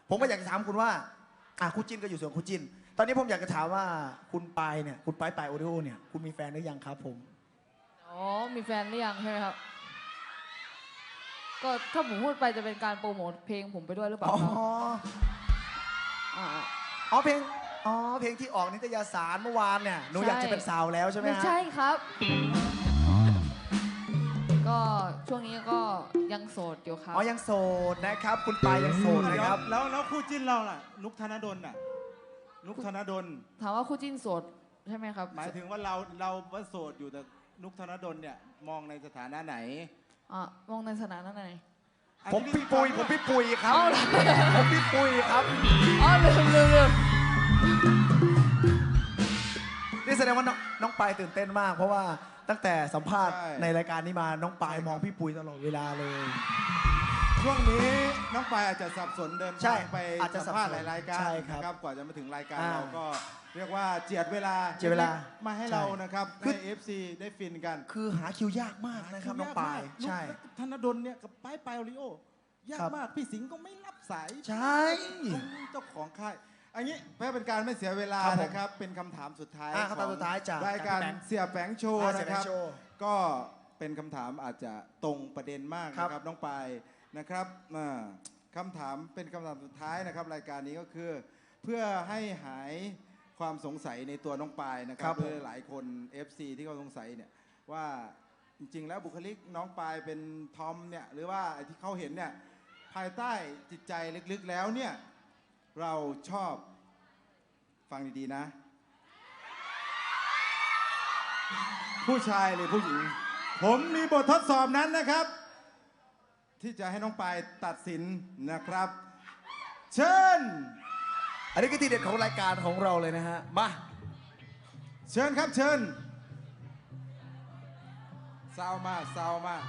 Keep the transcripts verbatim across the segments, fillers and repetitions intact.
ผมก็อยากจะถามคุณว่าอ่ะคู่จิ้นก็อยู่ส่วนคู่จิ้นตอนนี้ผมอยากจะถามว่าคุณปายเนี่ยคุณปายปายโอริโอเนี่ยคุณมีแฟนหรือยังครับผมอ๋อมีแฟนหรือยังใช่ไหมครับก็ถ้าผมพูดไปจะเป็นการโปรโมทเพลงผมไปด้วยหรือเปล่าครับอ๋ออ๋อเพลงอ๋อเพลงที่ออกนิตยสารเมื่อวานเนี่ยหนูอยากจะเป็นสาวแล้วใช่ไหมฮะไม่ใช่ครับก็ช่วงนี้ก็ยังโสดอยู่ครับอ๋อยังโสดนะครับคุณปายยังโสดนะครับแล้วแล้วคู่จิ้นเราล่ะนุกธนดลน่ะนุกธนดลถามว่าคู่จิ้นโสดใช่ไหมครับหมายถึงว่าเราเราว่าโสดอยู่แต่นุกธนดลเนี่ยมองในสถานะไหนอ่ามองในสถานะไหนผมพี่ปุยผมพี่ปุยครับผมพี่ปุยครับอ๋อลืมลืมลืมนี่แสดงว่าน้องปายตื่นเต้นมากเพราะว่าตั้งแต่สัมภาษณ์ในรายการนี้มาน้องปายมองพี่ปุยตลอดเวลาเลยช่วงนี้น้องปายอาจจะสับสนเดินทางไปสัมภาษณ์หลายรายการนะครับกว่าจะมาถึงรายการเราก็เรียกว่าเจียดเวลาเจียดเวลามาให้เรานะครับให้ เอฟ ซี ได้ฟินกันคือหาคิวยากมากนะครับน้องปายใช่ธนดลเนี่ยกับปายปายโอริโอยากมากพี่สิงห์ก็ไม่รับสายใช่เจ้าของค่ายอันนี้เพื่อเป็นการไม่เสียเวลานะครับเป็นคำถามสุดท้ายคำถามสุดท้ายจากรายการเสียแฝงโชว์นะครับก็เป็นคำถามอาจจะตรงประเด็นมากนะครับน้องปายนะครับคำถามเป็นคำถามสุดท้ายนะครับรายการนี้ก็คือเพื่อให้หายความสงสัยในตัวน้องปายนะครับเพื่อหลายคน เอฟ ซี ที่เขาสงสัยเนี่ยว่าจริงๆแล้วบุคลิกน้องปายเป็นทอมเนี่ยหรือว่าที่เขาเห็นเนี่ยภายใต้จิตใจลึกๆแล้วเนี่ยเราชอบฟังดีๆนะผู้ชายหรือผู้หญิงผมมีบททดสอบนั้นนะครับที่จะให้น้องปายตัดสินนะครับเชิญอันนี้ก็ทีเด็ดของรายการของเราเลยนะฮะมาเชิญครับเชิญซาวมาซาวมา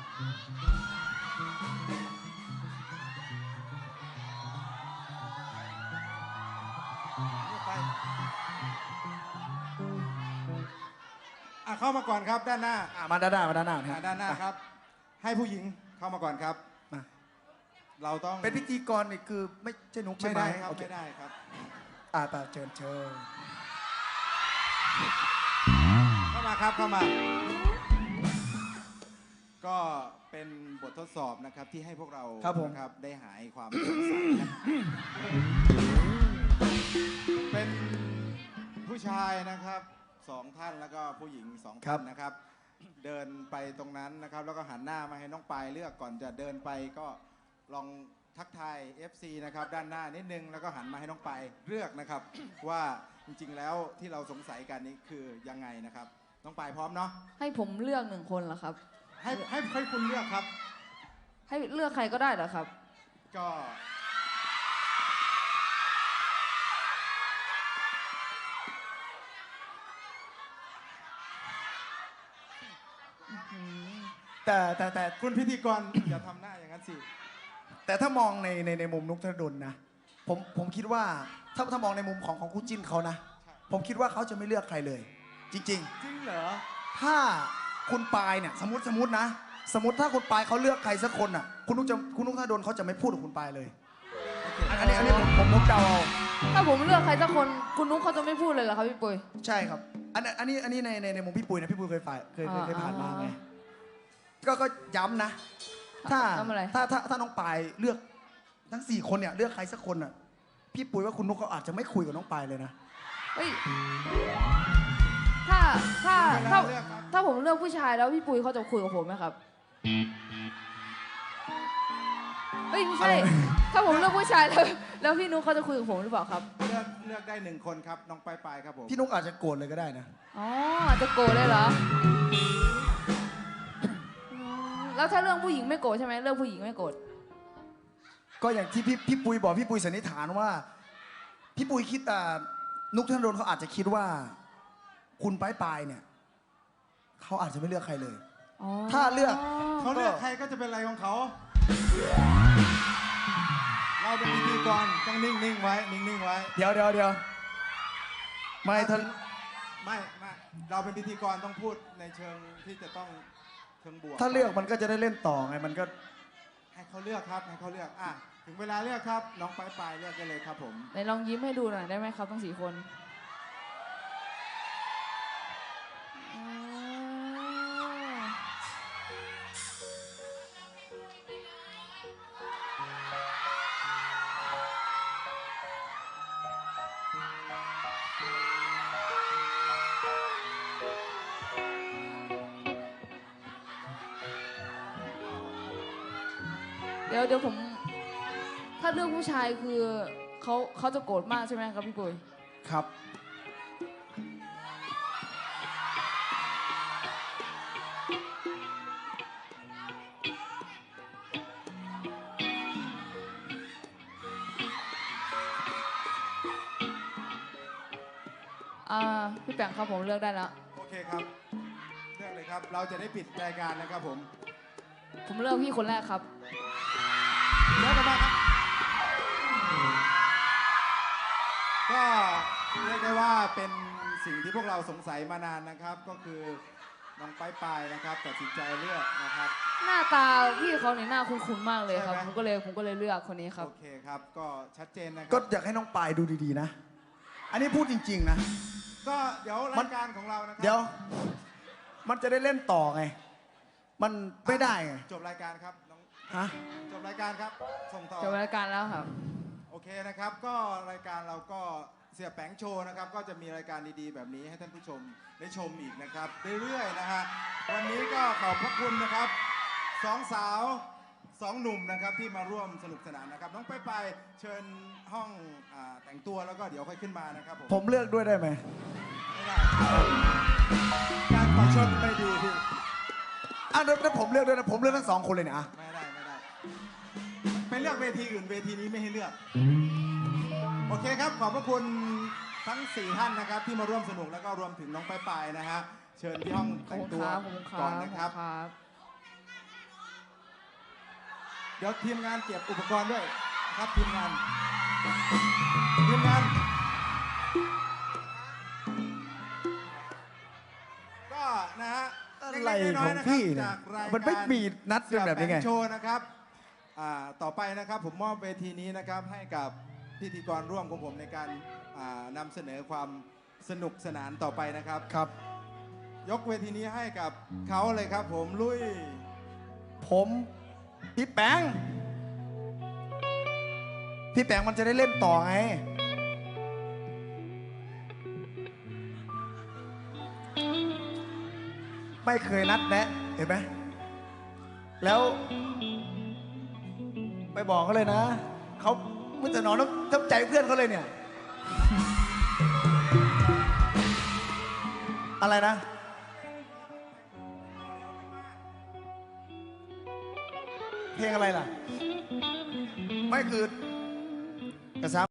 เข้ามาก่อนครับด้านหน้ามาด้านหน้ามาด้านหน้าด้านหน้าครับให้ผู้หญิงเข้ามาก่อนครับเราต้องเป็นพิธีกรนี่คือไม่ใช่นุ๊กใช่ไหมไม่ได้ครับไม่ได้ครับอ่าแต่เชิญเชิญเข้ามาครับเข้ามาก็เป็นบททดสอบนะครับที่ให้พวกเราครับได้หายความสงสัยเป็นผู้ชายนะครับสองท่านแล้วก็ผู้หญิงสองท่านนะครับเดินไปตรงนั้นนะครับแล้วก็หันหน้ามาให้น้องปายเลือกก่อนจะเดินไปก็ลองทักทาย เอฟ ซี นะครับด้านหน้านิดนึงแล้วก็หันมาให้น้องปายเลือกนะครับว่าจริงๆแล้วที่เราสงสัยกันนี้คือยังไงนะครับน้องปายพร้อมเนาะให้ผมเลือกหนึ่งคนเหรอครับให้ให้ให้คุณเลือกครับให้เลือกใครก็ได้เหรอครับก็แต่แต่แต่คุณพิธีกรอย่าทำหน้าอย่างนั้นสิแต่ถ้ามองในในในมุมนุกธนดลนะผมผมคิดว่าถ้าถ้ามองในมุมของของคู่จิ้นเขานะผมคิดว่าเขาจะไม่เลือกใครเลยจริงๆจริงเหรอถ้าคุณปายเนี่ยสมมติสมมตินะสมมติถ้าคุณปายเขาเลือกใครสักคนอ่ะคุณนุกจะคุณนุกธนดลเขาจะไม่พูดกับคุณปายเลยอันนี้อันนี้ผมผมนุกเดาเอาถ้าผมเลือกใครสักคนคุณนุกเขาจะไม่พูดเลยเหรอครับพี่ปุ้ยใช่ครับอันอันนี้อันนี้ในในในมุมพี่ปุ้ยนะพี่ปุ้ยเคยฝ่ายเคยเคยผ่านมาไงก็ก็ย้ำนะถ้าถ้าถ้าถ้าน้องปายเลือกทั้งสี่คนเนี่ยเลือกใครสักคนอ่ะพี่ปุ้ยว่าคุณนุกเขาอาจจะไม่คุยกับน้องปายเลยนะเฮ้ยถ้าถ้าถ้าถ้าผมเลือกผู้ชายแล้วพี่ปุ้ยเขาจะคุยกับผมไหมครับเฮ้ยไม่ใช่ถ้าผมเลือกผู้ชายแล้วแล้วพี่นุกเขาจะคุยกับผมหรือเปล่าครับเลือกเลือกได้หนึ่งคนครับน้องปายปายครับผมพี่นุกอาจจะโกรธเลยก็ได้นะอ๋ออาจจะโกรธเลยเหรอแล้วถ้าเรื่องผู้หญิงไม่โกรธใช่ไหมเรื่องผู้หญิงไม่โกรธก็อย่างที่พี่พี่ปุ้ยบอกพี่ปุ้ยสันนิษฐานว่าพี่ปุ้ยคิดอ่านุกธนดลเขาอาจจะคิดว่าคุณปายปายเนี่ยเขาอาจจะไม่เลือกใครเลยถ้าเลือกเขาเลือกใครก็จะเป็นอะไรของเขาเราเป็นพิธีกรต้องนิ่งๆไว้นิ่งๆไว้เดี๋ยวเดี๋ยวเดี๋ยวไม่ท่านไม่ไม่เราเป็นพิธีกรต้องพูดในเชิงที่จะต้องเชิงบวกถ้าเลือกมันก็จะได้เล่นต่อไงมันก็ให้เขาเลือกครับให้เขาเลือกอ่ะทีถึงเวลาเลือกครับน้องปลายปลายเลือกกันเลยครับผมไหนลองยิ้มให้ดูหน่อยได้ไหมครับทั้งสี่คนอ๋อเดี๋ยวเดี๋ยวผม ถ้าเลือกผู้ชายคือเขาเขาจะโกรธมากใช่ไหมครับพี่ปุ้ยครับอ่าพี่แปงครับผมเลือกได้แล้วโอเคครับเลือกเลยครับเราจะได้ปิดรายการนะครับผมผมเลือกพี่คนแรกครับเลือกกันมาครับก็เรียกได้ว่าเป็นสิ่งที่พวกเราสงสัยมานานนะครับ ก็คือน้องปลายปลายนะครับตัดสินใจเลือกนะครับหน้าตาพี่เขาเนี่ยหน้าคุ้นๆมากเลยครับใช่ไหมผมก็เลยผมก็เลยเลือกคนนี้ครับโอเคครับก็ชัดเจนนะคก็รับอยากให้น้องปายดูดีๆนะ อันนี้พูดจริง ๆ นะก็เดี๋ยวมัราน ยการของเรานะครัเดี๋ยว มันจะได้เล่นต่อไง มันไม่ได้ไงจบรายการครับน้องฮะจบรายการครับส่งต่อจบรายการแล้วครับโอเคนะครับก็รายการเราก็เสียแปงโชว์นะครับก็จะมีรายการดีๆแบบนี้ให้ท่านผู้ชมได้ชมอีกนะครับเรื่อยๆนะฮะวันนี้ก็ขอบพระคุณนะครับสองสาวสองหนุ่มนะครับที่มาร่วมสนุกสนานนะครับน้องไปไปเชิญห้องอ่าแต่งตัวแล้วก็เดี๋ยวค่อยขึ้นมานะครับผมผมเลือกด้วยได้ไหมไม่ได้การประชดไม่ดีพี่อ่ะถ้าผมเลือกด้วยนะ ผมเลือกทั้งสองคนเลยเนี่ยอ่ะไม่ได้ไม่ได้ไปเลือกเวทีอื่นเวทีนี้ไม่ให้เลือกโอเคครับขอบพระคุณทั้งสี่ท่านนะครับที่มาร่วมสนุกแล้วก็รวมถึงน้องปลายปลายนะฮะเชิญที่ห้องขอบแต่งคุณตัวครับขอบคุณคก่รัอนบนะครับครับเดี๋ยวทีมงานเก็บอุปกรณ์ด้วยครับทีมงานทีมงานก็นะฮะอะไรเล็กๆน้ขยองๆะครับพี่เนี่ยจากรายการมันไม่มีนัดเป็นแบบนี้ไงเสี่ยแปงโชว์นะครับอ่าต่อไปนะครับผมมอบเวทีนี้นะครับให้กับพิธีกรร่วมของผมในการอ่านำเสนอความสนุกสนานต่อไปนะครับครับยกเวทีนี้ให้กับเขาเลยครับ ผมลุยผมพี่แปงพี่แปงมันจะได้เล่นต่อไง ไม่เคยนัดแนะ เห็นไหม แล้ว ไปบอกเขาเลยนะ เขาไม่จะนอนต้องทับใจเพื่อนเขาเลยเนี่ย อะไรนะ เพลงอะไรล่ะ ไม่คือกระซ้ำ